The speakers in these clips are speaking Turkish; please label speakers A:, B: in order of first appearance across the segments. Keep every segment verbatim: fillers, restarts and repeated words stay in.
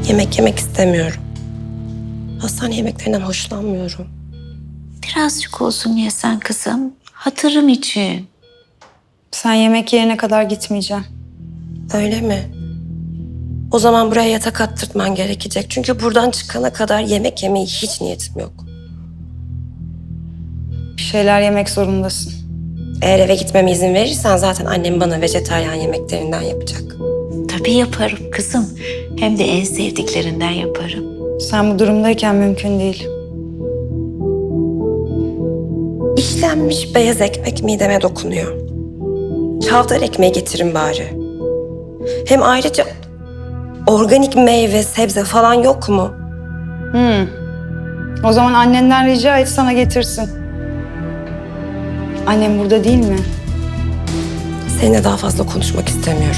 A: Yemek yemek istemiyorum. Hastane yemeklerinden hoşlanmıyorum.
B: Birazcık olsun yesen kızım. Hatırım için.
C: Sen yemek yerine kadar gitmeyeceksin.
A: Öyle mi? O zaman buraya yatak attırtman gerekecek. Çünkü buradan çıkana kadar yemek yemeye hiç niyetim yok.
C: Bir şeyler yemek zorundasın.
A: Eğer eve gitmeme izin verirsen zaten annem bana vejetaryen yemeklerinden yapacak.
B: Tabii yaparım kızım. Hem de en sevdiklerinden yaparım.
C: Sen bu durumdayken mümkün değil.
A: İşlenmiş beyaz ekmek mideme dokunuyor. Çavdar ekmeği getirin bari. Hem ayrıca organik meyve, sebze falan yok mu?
C: Hmm. O zaman annenden rica et sana getirsin. Annem burada değil mi?
A: Seninle daha fazla konuşmak istemiyorum.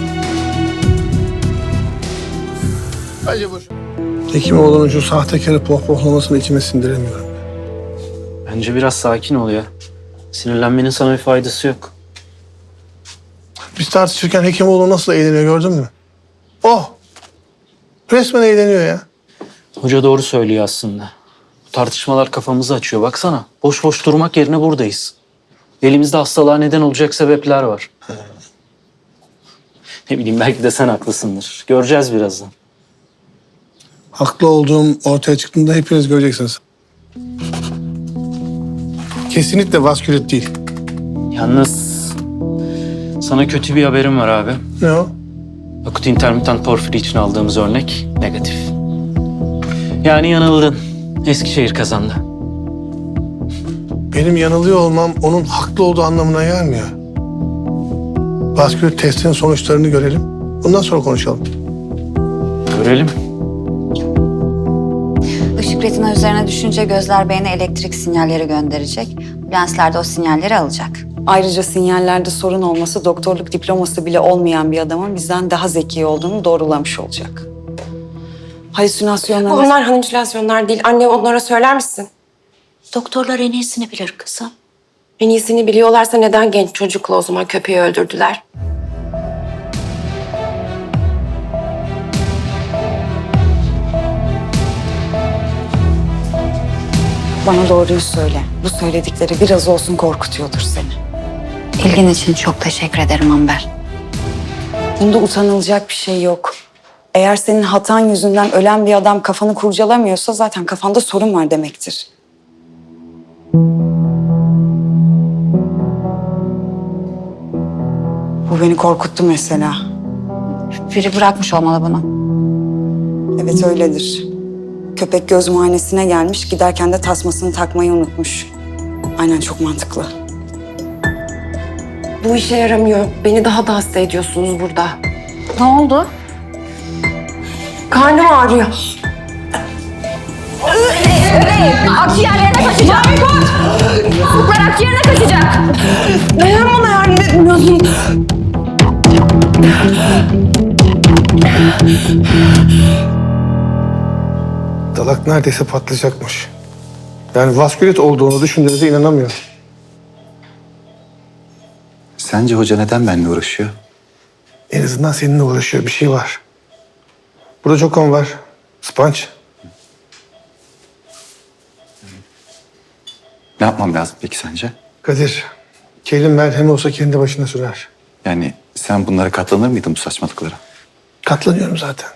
D: Bence boş. Hekimoğlu'nun şu sahtekarı pohpohlamasını içime sindiremiyorum.
E: Bence biraz sakin ol ya. Sinirlenmenin sana bir faydası yok.
D: Biz tartışırken Hekimoğlu nasıl eğleniyor gördün mü? Oh! Resmen eğleniyor ya.
E: Hoca doğru söylüyor aslında. Bu tartışmalar kafamızı açıyor. Baksana, boş boş durmak yerine buradayız. Elimizde hastalığa neden olacak sebepler var. Ne bileyim, belki de sen haklısındır. Göreceğiz birazdan.
D: Haklı olduğum ortaya çıktığında hepiniz göreceksiniz. Kesinlikle vaskülit değil.
E: Yalnız sana kötü bir haberim var abi.
D: Ne o?
E: Akut intermittent porfiri için aldığımız örnek negatif. Yani yanıldın. Eskişehir kazandı.
D: Benim yanılıyor olmam onun haklı olduğu anlamına gelmiyor. Vaskülit testinin sonuçlarını görelim. Bundan sonra konuşalım.
E: Görelim.
F: Işık retina üzerine düşünce gözler beyne elektrik sinyalleri gönderecek. Lensler de o sinyalleri alacak.
C: Ayrıca sinyallerde sorun olması doktorluk diploması bile olmayan bir adamın bizden daha zeki olduğunu doğrulamış olacak. Halüsinasyonlar...
A: Onlar halüsinasyonlar değil. Anne onlara söyler misin?
B: Doktorlar en iyisini bilir kızım.
A: En iyisini biliyorlarsa neden genç çocukla o zaman köpeği öldürdüler?
C: Bana doğruyu söyle. Bu söyledikleri biraz olsun korkutuyordur seni.
F: İlgin için çok teşekkür ederim Amber.
C: Bunda utanılacak bir şey yok. Eğer senin hatan yüzünden ölen bir adam kafanı kurcalamıyorsa zaten kafanda sorun var demektir. Bu beni korkuttu mesela.
F: Biri bırakmış olmalı bunu.
C: Evet öyledir. Köpek göz muayenesine gelmiş, giderken de tasmasını takmayı unutmuş. Aynen, çok mantıklı.
A: Bu işe yaramıyor. Beni daha da hasta ediyorsunuz burada.
F: Ne oldu?
A: Karnım ağrıyor.
F: Akciğerlerine kaçacak. Fuklar akciğerine kaçacak.
A: Neden bana yardım etmiyorsun?
D: Dalak neredeyse patlayacakmış. Yani vaskülit olduğunu düşündüğünüze inanamıyorum.
G: Sence hoca neden benimle uğraşıyor?
D: En azından seninle uğraşıyor. Bir şey var. Burada çok kan var. Sponç.
G: Ne yapmam lazım peki sence?
D: Kadir, kelin merhemi olsa kendi başına sürer.
G: Yani sen bunlara katlanır mıydın bu saçmalıklara?
D: Katlanıyorum zaten.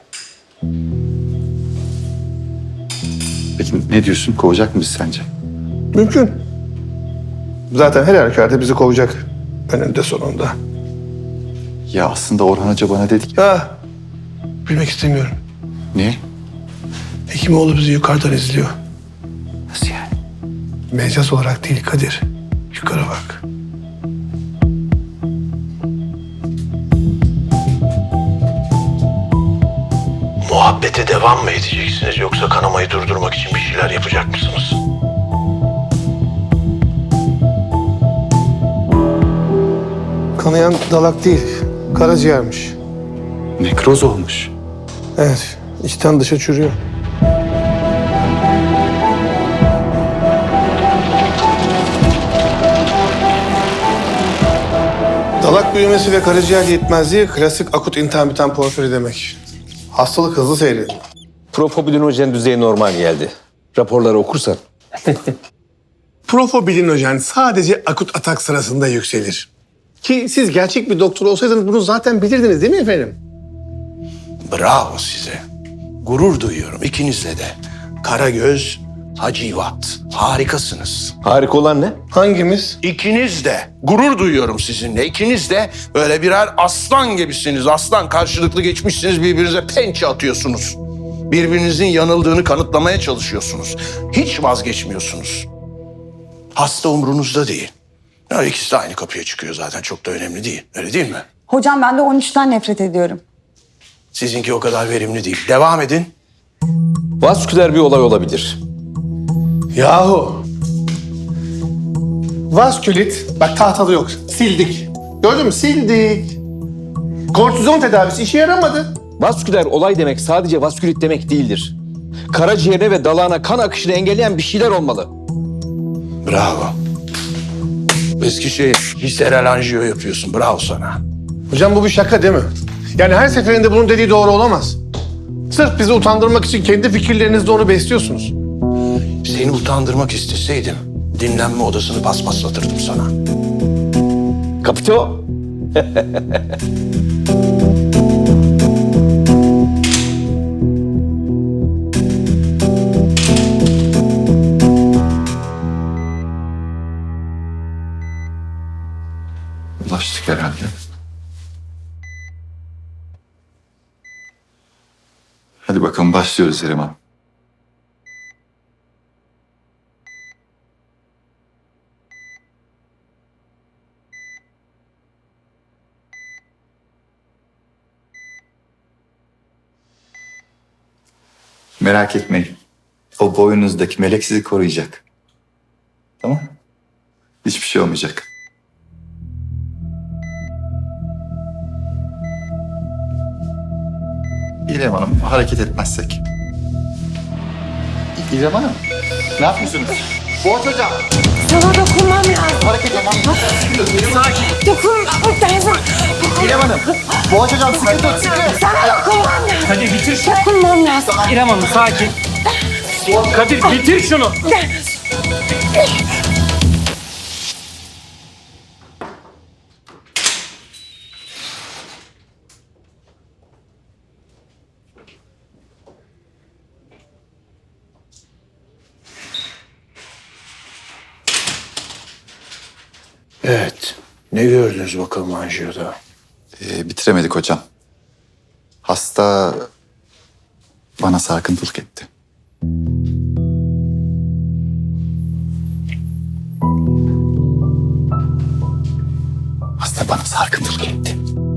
G: Peki ne diyorsun? Kovacak mı bizi sence?
D: Mümkün. Zaten her halükarda bizi kovacak. Önünde sonunda.
G: Ya aslında Orhan Hoca bana dedi ki...
D: Ha, bilmek istemiyorum.
G: Niye?
D: Hekimoğlu bizi yukarıdan izliyor.
G: Nasıl yani?
D: Mecaz olarak değil Kadir. Yukarı bak. Muhabbete devam mı edeceksiniz yoksa kanamayı durdurmak için bir şeyler yapacak mısınız? Kanayan dalak değil, karaciğermiş.
G: Nekroz olmuş.
D: Evet, içten dışa çürüyor. Dalak büyümesi ve karaciğer yetmezliği klasik akut intermittent porfiri demek. Hastalık hızlı seyrediyor.
H: Profobilinojen düzeyi normal geldi. Raporları okursan.
D: Profobilinojen sadece akut atak sırasında yükselir. Ki siz gerçek bir doktor olsaydınız bunu zaten bilirdiniz değil mi efendim?
I: Bravo size. Gurur duyuyorum ikinizle de. Karagöz, Hacivat. Harikasınız.
H: Harika olan ne?
D: Hangimiz?
I: İkiniz de. Gurur duyuyorum sizinle. İkiniz de böyle birer aslan gibisiniz. Aslan karşılıklı geçmişsiniz, birbirinize pençe atıyorsunuz. Birbirinizin yanıldığını kanıtlamaya çalışıyorsunuz. Hiç vazgeçmiyorsunuz. Hasta umrunuzda değil. Ya ikisi de aynı kapıya çıkıyor zaten. Çok da önemli değil. Öyle değil mi?
C: Hocam ben de on üçten nefret ediyorum.
I: Sizinki o kadar verimli değil. Devam edin.
H: Vasküler bir olay olabilir.
D: Yahu. Vaskülit, bak tahtalı yok. Sildik. Gördün mü? Sildik. Kortizon tedavisi işe yaramadı.
H: Vasküler olay demek sadece vaskülit demek değildir. Karaciğerine ve dalağına kan akışını engelleyen bir şeyler olmalı.
I: Bravo. Eski şey, visceral anjiyo yapıyorsun. Bravo sana.
D: Hocam bu bir şaka değil mi? Yani her seferinde bunun dediği doğru olamaz. Sırf bizi utandırmak için kendi fikirlerinizle onu besliyorsunuz.
I: Seni utandırmak isteseydim dinlenme odasını paspaslatırdım sana.
H: Kapito.
G: Ulaştık herhalde. Hadi bakalım başlıyoruz Eriman. Merak etmeyin. O boynunuzdaki melek sizi koruyacak. Tamam? Hiçbir şey olmayacak. İrem Hanım, hareket etmezsek. İrem Hanım, ne yapıyorsunuz? Boğaç Hocam.
A: Sana dokunmam lazım.
G: Hareket etmem.
A: Dokunmam lazım.
G: İrem Hanım, Boğaç Hocam sıkı tut, sıkı.
A: Sana dokunmam lazım.
E: Hadi bitir şunu.
A: Dokunmam lazım.
E: İrem Hanım sakin. Kadir bitir şunu.
I: Evet. Ne gördünüz bakalım anjiyoda?
G: Ee, bitiremedik hocam. Hasta bana sarkıntılık etti. Hasta bana sarkıntılık etti.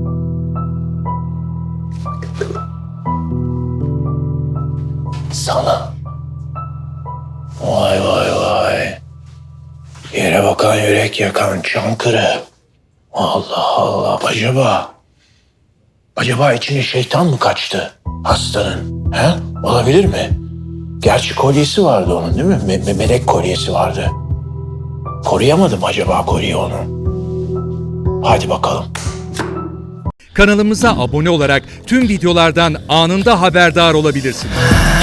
I: Sana. Vay vay vay. Yere bakan yürek yakan Çankırı. Allah Allah. Acaba... Acaba içine şeytan mı kaçtı hastanın? He? Olabilir mi? Gerçi kolyesi vardı onun değil mi? Me- me- melek kolyesi vardı. Koruyamadım acaba kolyeyi onun. Hadi bakalım.
J: Kanalımıza abone olarak tüm videolardan anında haberdar olabilirsiniz.